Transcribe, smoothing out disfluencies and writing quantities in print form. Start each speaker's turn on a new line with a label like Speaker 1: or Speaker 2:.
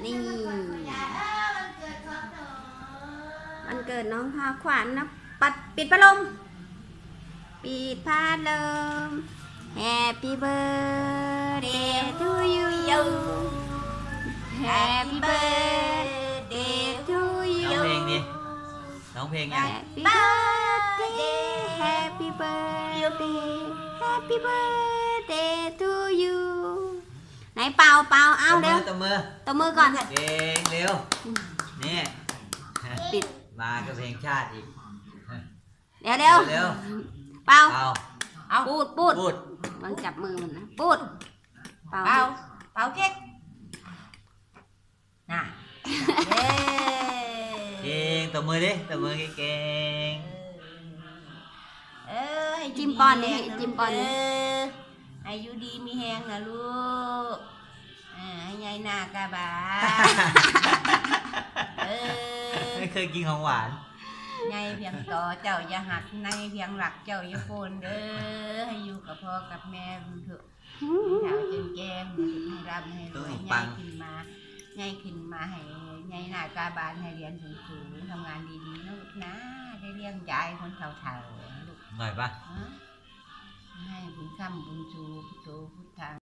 Speaker 1: นี่มันเกิดน้องพาขวัญนะปิดพัดลมปิดพัดลม Happy birthday to you Happy birthday to you
Speaker 2: ร้องเพลงไง
Speaker 1: Happy birthday Happy birthday Happy birthday to you ไหนเป่าเอาเร็วตบมือก่อนเ
Speaker 2: ก่งเร็วนี่
Speaker 1: ปิด
Speaker 2: มาก็เพลงชาติอีก
Speaker 1: เร็วเป่า
Speaker 2: เอา
Speaker 1: พูดมันจับมือมันนะพูดเป่าเค้กน่ะ
Speaker 2: เก่งตบมือดิตบมือเก่ง
Speaker 1: จิ้มปอนนี่จิ้มปอน
Speaker 3: อายุดีมีแหงนะลูกให้ยายหน้ากะบา
Speaker 2: ไม่เคยกินของหวาน
Speaker 3: ยายเพียงต่อเจ้าอย่าหักในเพียงหลักเจ้าอย่าโกนเด้อให้อยู่กับพ่อกับแม่เถอะเท้าจนแก้มให้ร่ำให้รวยยายขึ้นมาให้ยายหน้ากะบาให้เรียนสูงทำงานดีๆนะลูกนะได้เลี้ยงยายคนเฒ่าๆลูก
Speaker 2: หน่อยปะ
Speaker 3: ให้บุญคำบุญชูพุทโธพุทธัง